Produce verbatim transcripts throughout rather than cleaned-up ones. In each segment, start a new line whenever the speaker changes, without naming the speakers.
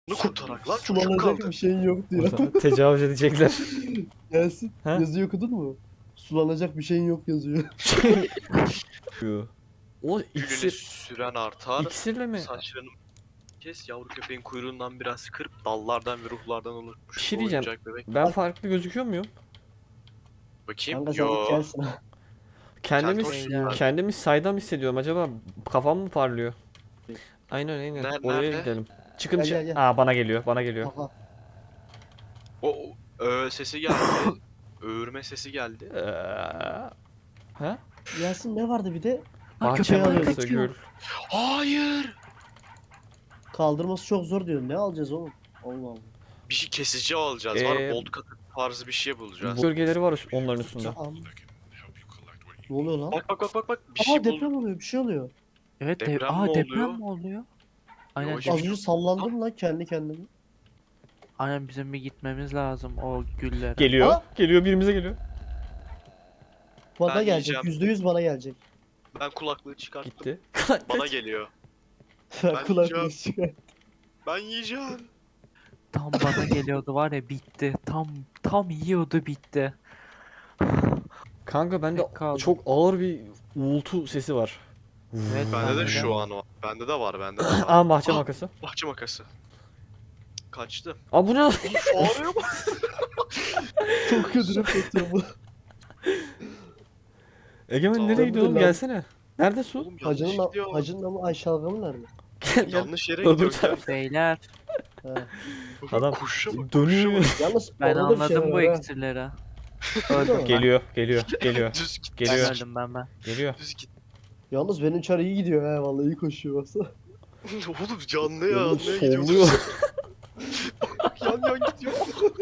Bunu kurtarak lan çocuk
Sulanacak
kaldı.
bir şeyin yok diyor.
Burada tecavüz edecekler.
Gelsin.
Ha?
Yazıyı okudun mu? Sulanacak bir şeyin yok yazıyor.
O
Gülünü
iksir,
süren artar.
iksirle mi?
Saçlarını kes, yavru köpeğin kuyruğundan biraz kırp, dallardan ve ruhlardan oluşmuş
Bir şey
bu
diyeceğim.
oyuncak bebek.
Ben farklı gözüküyor muyum?
Bakayım.
Kanka sen
Yo.
de kelsin ha.
Kendimi
Keltoş
ya.
kendimi saydam hissediyorum. Acaba kafam mı parlıyor? Aynen aynen.
Ner-
Oraya
nerede?
gidelim. Çıkın
Gel,
dışarı.
gel, gel.
Aa bana geliyor. Bana geliyor.
Aha.
O, o ö sesi geldi. Öğürme sesi geldi.
Ee, ha?
Yasin ne vardı bir de?
Bahçe
köpeği
makası
alıyoruz.
gül.
Hayır.
Kaldırması çok zor diyor. Ne alacağız oğlum? Allah Allah.
Bir şey kesici alacağız. Var
Ee,
bolt katı tarzı bir şey bulacağız.
Gölgeleri var onların üstünde.
Am- Ne oluyor lan?
Bak bak bak bak bak bir
Aa
şey
deprem
buldum.
oluyor, bir şey oluyor.
Evet
Deprem
deprem,
mi
Aa,
oluyor?
deprem mi oluyor? Aynen,
Yavaş
deprem-
Az önce sallandım lan kendi kendime.
aynen bizim bir gitmemiz lazım o güllere.
Geliyor.
Aa!
Geliyor birimize geliyor.
Bana
Ben
gelecek.
yiyeceğim.
Yüzde yüz bana gelecek.
Ben kulaklığı çıkarttım.
Gitti.
Bana geliyor.
Ben kulaklığı
yiyeceğim.
çıkar.
Ben yiyeceğim.
Tam bana geliyordu var ya, bitti. Tam tam yiyordu, bitti.
Kanka bende
Tek kaldı.
çok ağır bir uğultu sesi var.
Evet,
Bende
bende
de
de.
şu an var. Bende de var, bende de var.
Aa bahçe
Ah!
makası.
Bahçe makası. Kaçtı.
Aa bu ne?
Oğlum fareye bak.
Çok kötü yapıyor bu.
Egemen
Tamam.
nereye gidiyorsun?
Lan.
Gelsene. Nerede su?
Oğlum yanlış
Hacının,
gidiyor.
hacının ama Ayşe Algamı nerede?
Gel gel.
Yanlış yere
Öbür
gidiyor.
taraf.
Beyler,
He.
Adam
Kuşa bak.
dönüyor.
Yalnız
ben
orada da bir şey
anladım bu
var ha.
iksirleri.
Öldü mü?
Geliyor, geliyor, geliyor.
Düz git.
Ben
Geliyor.
öldüm ben ben.
Geliyor.
Düz git.
Yalnız benim çar iyi gidiyor he vallahi iyi koşuyor baksana.
Oğlum canlı ya.
Oğlum
Ne gidiyorsun?
solluyor.
Yan yan gidiyor.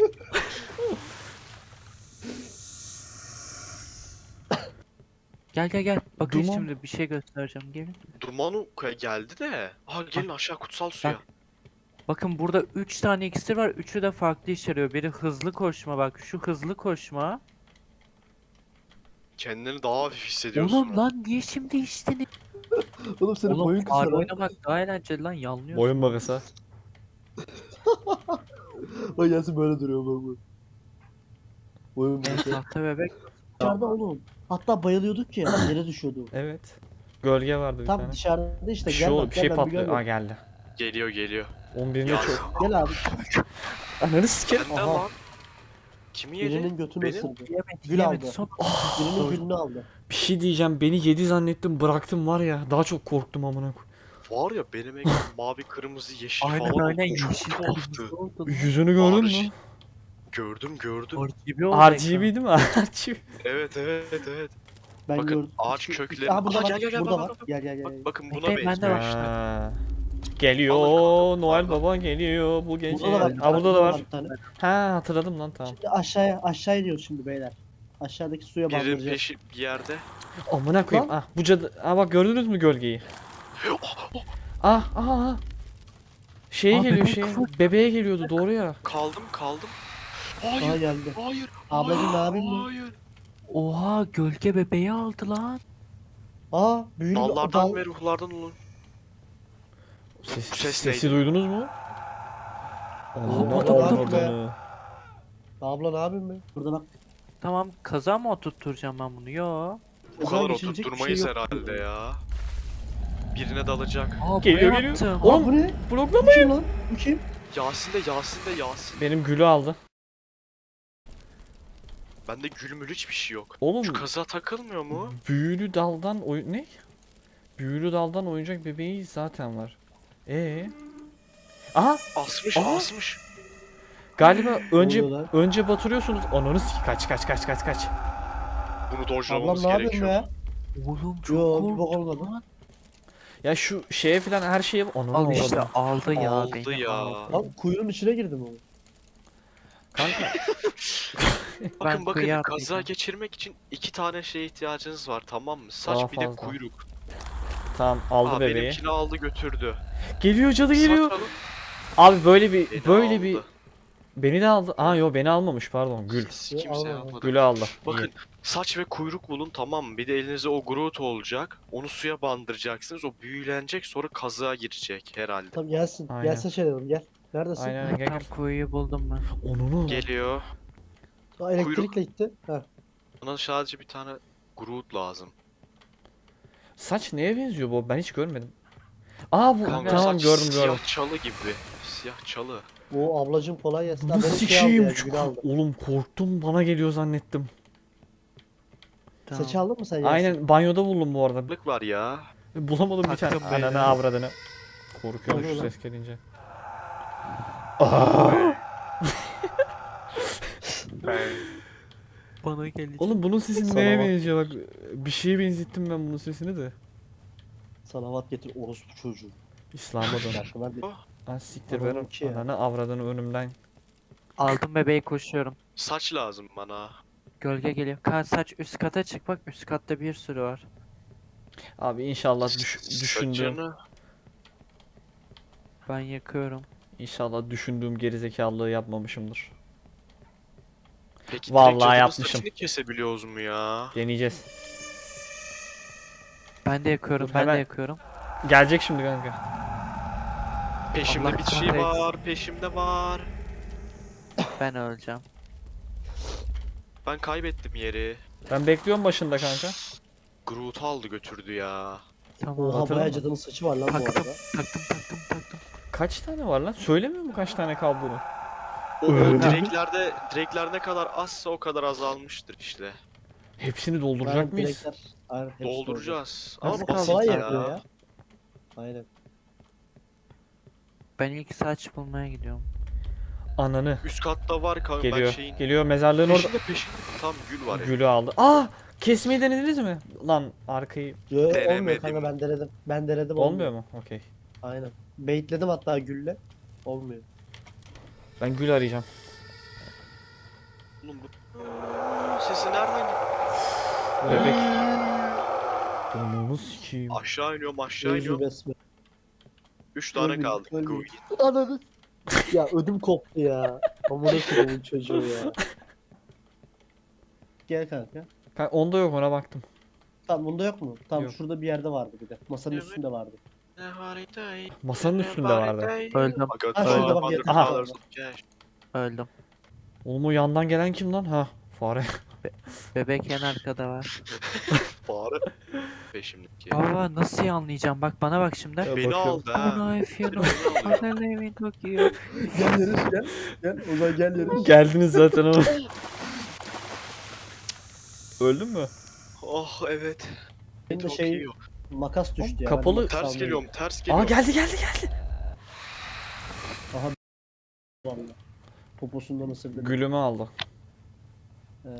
Gel gel gel. Bakın
Duman.
şimdi bir şey göstereceğim, gelin.
Durmanu geldi de. Aha gelin aşağı kutsal suya.
Bak. Bakın burada üç tane iksir var. Üçü de farklı işe yarıyor. Biri hızlı koşma, bak şu hızlı koşma.
Kendini daha hafif hissediyorsun.
Oğlum lan niye şimdi içtin?
Oğlum senin boyun
Oğlum
kısa
fare
lan.
oynamak daha eğlenceli lan, yanlıyorsun.
Boyun makası.
Bak Yasin böyle duruyor bak bak. Boyun
Evet,
kısa.
tahta bebek.
Dışarıda oğlum. Hatta bayılıyorduk ya yere düşüyordu.
Evet. Gölge vardı bir
Tam
tane.
dışarıda işte
Bir
gel
şey,
bak
oldu, bir şey
gel ben bir
patlıyor.
gör
Aa
bak.
geldi.
Geliyor geliyor.
on birinde
Ya.
çok.
Gel abi.
Ananı sikerim.
Bende
Aha.
lan. Kimi yedi?
Birinin götünü
Benim-
ısırdı.
Yemedi,
Gül
yemedi.
aldı.
Son...
Birinin gülünü aldı.
Bir şey diyeceğim. Beni yedi zannettim bıraktım var ya. Daha çok korktum amına koyayım.
Var ya benim ekran mavi, kırmızı, yeşil
Aynen
falan
öyle
oldu. Çok
yeşil
tuhaftı.
kırmızı oldu lan.
Yüzünü gördün
Arş-
mü?
Gördüm gördüm.
R G B oldu
R
ekran.
G B değil mi? R G B.
Evet evet evet.
Ben
Bakın,
gördüm.
ağaç
Şu-
kökleri-
Aa burada
Aha,
var.
gel, gel, gel,
burada
bak,
var.
bak, bak.
Gel gel gel.
Bak,
gel.
bakın buna
Bekleyin, ben de
benziyor.
var.
Ha. Geliyor.
Alın,
Noel
pardon.
Baba geliyor bu gece.
Burada da var.
Aa burada da var.
bir tane.
Ha hatırladım lan tamam.
Şimdi aşağıya aşağı iniyoruz şimdi beyler. Aşağıdaki suya
Birinin
bandıracağız.
peşi bir yerde.
Amına koyayım. Ah bu cadı. Aa bak gördünüz mü gölgeyi? Ah ah ah. Şeye
Aa,
geliyor
bebek
şey.
fır-
Bebeğe geliyordu doğru ya.
Kaldım kaldım.
Aa
Hayır.
geldi.
Hayır.
Ablacım, ne
hayır,
yapayım ben?
Hayır.
Oha, gölge bebeği aldı lan.
Aa büyülü
Dallardan
dal.
ve ruhlardan olun.
Ses,
Bu ses
sesi
neydi?
duydunuz mu?
Aa,
Amına
burada, burada,
avradını.
Abla ne yapayım ben? Burada bak.
Tamam, kaza mı oturtturacağım ben bunu? Yo.
Bu
O zaman
kadar
geçilecek bir
oturtturmayız
şey yok.
herhalde ya. Birine dalacak.
Aa,
Geliyor,
buraya
geliyor.
attım.
Oğlum,
Aa bu ne?
Bloklama.
Bu kim lan? Bu kim?
Yasin de Yasin de Yasin.
Benim gülü aldı.
Bende gülmül hiçbir şey yok.
Oğlum
Şu kaza takılmıyor mu?
büyülü daldan oyun ne? Büyülü daldan oyuncak bebeği zaten var. Ee? Aha
Asmış
Aa!
asmış.
galiba önce
oluyor lan?
önce batırıyorsunuz. Ananı sik kaç kaç kaç kaç kaç.
Bunu
Ablam
dojlamamız
ne yapayım
gerekiyor.
ya?
Oğlum çok
Yo bir bok
korktum
olmadı.
lan.
Ya şu şeye falan her şeye ananı
Al işte,
avradım.
aldı ya
Aldı
beni,
ya.
aldı.
Lan kuyunun içine girdim oğlum.
Kanka
Bakın bakın
kıyı
kaza
atlayacağım.
geçirmek için iki tane şeye ihtiyacınız var, tamam mı? Saç
Daha
bir de
fazla.
kuyruk.
tamam aldı
Aa,
bebeği.
benimkini aldı götürdü.
Geliyor cadı
Saç
geliyor.
alıp
Abi böyle bir
beni
böyle
aldı.
bir beni de aldı. Aa yo beni almamış pardon Gül.
Siz
Yo,
kimse
almadı.
almadı.
Gül'ü aldı.
Bakın
İyi.
saç ve kuyruk bulun, tamam mı? Bir de elinize o Groot olacak. Onu suya bandıracaksınız. O büyülenecek, sonra kazığa girecek herhalde.
Tamam gelsin.
Aynen.
Gelsin şey dedim gel. Neredesin?
Aynen aynen, gel
Tam
gel.
kuyuyu buldum ben.
Onunu.
Geliyor.
Aa, elektrikle gitti. Ha.
Bana sadece bir tane Groot lazım.
Saç neye benziyor bu? Ben hiç görmedim. Aa bu
Kanka
tamam
saç
gördüm gördüm.
siyah çalı gibi. Siyah çalı.
O ablacım kolay gelsin. Ha,
Bu
benim şey aldı
sikiyim
ya,
çok.
gül aldı.
Oğlum korktum, bana geliyor zannettim.
Tamam.
Saçı aldın mı sen Yasin?
Aynen banyoda buldum bu arada.
Balık var ya.
Bulamadım bir tane.
Taktım beyler.
Ananı avradını. Korkuyorum
Oluyor
şu
lan.
ses gelince. Aa!
Bana gelecek.
Oğlum bunun sesi
Sana
neye
bak.
benziyor bak. Bir şeye benzettim ben bunun sesini de.
Salavat getir orospu çocuğu.
İslam'a dön.
Şarkılar bir.
Ha siktir
Adamın
ver
ki ya.
ananı avradını önümden.
Aldım bebeği, koşuyorum.
Saç lazım bana.
Gölge geliyor. Kan saç üst kata çık, bak üst katta bir sürü var.
Abi inşallah düş, düşündüğüm
Saçını.
Ben yakıyorum.
inşallah düşündüğüm gerizekalılığı yapmamışımdır.
Peki
Vallahi
direkt cadının
yapmışım.
saçını kesebiliyoruz mu ya?
Deneyeceğiz.
Ben de yakıyorum,
Dur,
ben
hemen.
de yakıyorum.
Gelecek şimdi kanka.
Peşimde
Allah
bir şey
kahretsin.
var, peşimde var.
Ben öleceğim.
Ben kaybettim yeri.
Ben bekliyorum başında kanka.
Groot aldı götürdü ya.
Tamam.
Oha
hatırladın
bayağı
mı?
cadının saçı var lan bu
Taktım,
arada.
taktım, taktım, taktım.
Kaç tane var lan? Söylemiyor mu kaç tane kaldığını?
O, o
Öyle.
direklerde, direkler ne kadar azsa o kadar azalmıştır işte.
Hepsini dolduracak
Aynen,
mıyız?
direkler. Aynen, hepsi
Dolduracağız.
doldu.
Ama
Ama
basit
kolay
ya.
yapıyor ya. Aynen.
Ben ilk saç bulmaya gidiyorum.
Ananı.
Üst katta var kanka. Ben
Geliyor.
şeyin
Geliyor mezarlığın orada.
peşinde peşinde. Tam gül var.
Gülü aldı. Aa! Kesmeyi denediniz mi? Lan arkayı
Yo, olmuyor
Denemedim.
kanka, ben denedim. Ben denedim
olmuyor mu? Okey.
Aynen. Baitledim hatta gülle. Olmuyor.
Ben gül arayacağım.
Oğlum bu Aa, sesi nereden gitti?
Bebek. Onu sikeyim.
Aşağı iniyorum aşağı
Özü
iniyorum.
besme.
Üç tane
Ölmeyeyim,
kaldı.
ölmeyeyim.
Groot.
Ananı. Ya ödüm koptu ya. Amına koyduğum çocuğu ya. Gel kanka.
Kanka onda yok, ona baktım.
Tamam bunda yok mu? Tamam
Yok.
şurada bir yerde vardı bir de. Masanın
Evet.
üstünde vardı.
Ne haritayı,
Masanın
ne
üstünde vardı.
haritayı.
Öldüm.
Aga,
Ha, şurada bak,
Father,
yakın
Aha.
Father,
zamanda.
gel.
Öldüm.
Oğlum o yandan gelen kim lan? Ha, fare.
Bebek en arkada var.
Fare. Peşimdeki.
Baba nasıl anlayacağım? Bak bana bak şimdi.
Ya
Beni
bakıyorum.
aldı ha.
Bana if you
Beni
know.
alıyor.
Bana live in Tokyo.
Gel yarış gel. Gel Ozan gel yarış.
Geldiniz zaten ama. Öldün mü?
Oh evet.
Benim de
Çok
şey
iyi.
makas düştü ya.
Kapalı-
ben de makas
Ters
almayayım.
geliyorum, ters
Aa
geliyorum.
geldi geldi geldi.
Vallahi. Poposundan ısırdı.
Gülümü aldı.
Ee,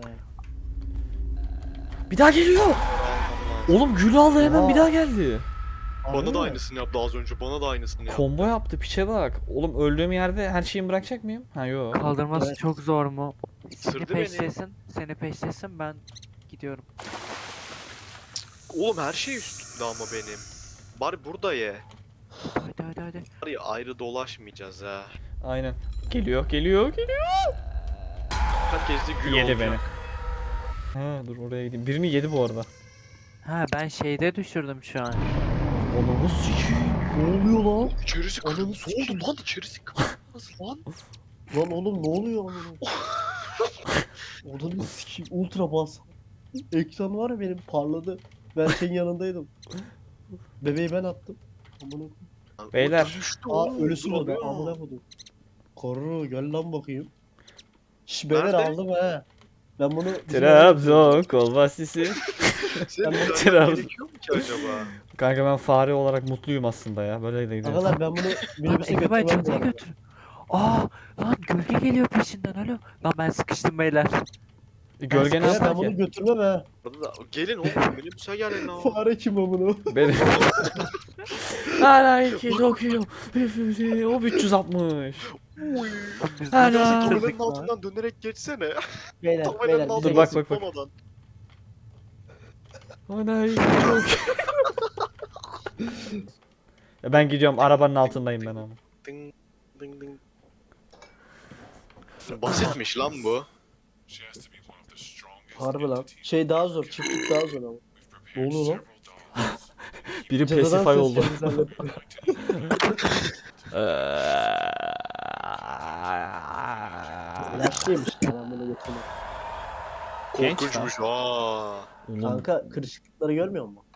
Bir daha geliyor. Oğlum gülü aldı hemen,
Oha.
bir daha geldi.
harbi
Bana da
mi?
aynısını yaptı az önce. Bana da aynısını yaptı.
Combo yaptı, piçe bak. Oğlum öldüğüm yerde her şeyimi bırakacak mıyım? Ha yok.
Kaldırması
Evet.
çok zor mu? Seni
Isırdı beni.
peşlesin. Seni peşlesin, ben gidiyorum.
Oğlum her şey üstümde ama benim. Bari burada ye.
Hadi hadi hadi.
Bari ayrı dolaşmayacağız ha.
Aynen. Geliyor geliyor geliyor.
Herkes de gül
Yedi
olacak.
beni. Ha dur oraya gideyim. Birini yedi bu arada.
Ha ben şeyde düşürdüm şu an.
Onu sikeyim.
Ne oluyor lan?
İçerisi
Ananı
kırmızı
sikeyim.
oldu lan, içerisi kırmızı lan.
Lan oğlum ne oluyor amına? Odanı sikeyim ultra bas. Ekran var ya benim parladı. Ben senin yanındaydım. Bebeği ben attım. Amına koyayım.
Lan,
Beyler.
o düştü
Aa
oğlum,
ölüsü burada.
duruyor.
Amına koydum. Koru gel lan bakayım. Şş beyler
Nerede?
aldım ha. Ben bunu
Trabzon kolbastisi.
Senin
Ben-
vermen
Trabzon.
gerekiyor mu ki acaba?
Kanka ben fare olarak mutluyum aslında ya. Böyle de gidiyor.
Agalar ben bunu minibüse
Ege ben
götürmem bu
çatıya
arada.
götür. Aa lan gölge geliyor peşinden, alo. Lan ben sıkıştım beyler.
Gölge ne
Beyler
yapar
ben bunu
ki?
götürmem ha.
Burada da gelin oğlum, minibüse gelin lan.
Fare kim amına?
Benim. Hala iki Tokyo. O üç yüz altmış.
Uy.
Biz
Hala.
nasıl
Tabelanın
bitirdik lan?
altından dönerek geçsene.
Beyler
Tabelanın
beyler bize
altından
Dur, bak,
gelsin.
bak, bak.
zıplamadan.
Hala iki Tokyo. Ya ben gidiyorum, arabanın altındayım ben ama.
Ding ding ding. Basitmiş lan bu.
Harbi lan. Şey daha zor, çiftlik daha zor ama. Ne oluyor lan?
Biri
Cadıdan
Pacify oldu.
seslerinizi hallettim.
Eee,
Yaşlıymış ya ben bunu götürmem.
Genç
Korkunçmuş. Aa.
Oğlum
Kanka kırışıklıkları görmüyor musun?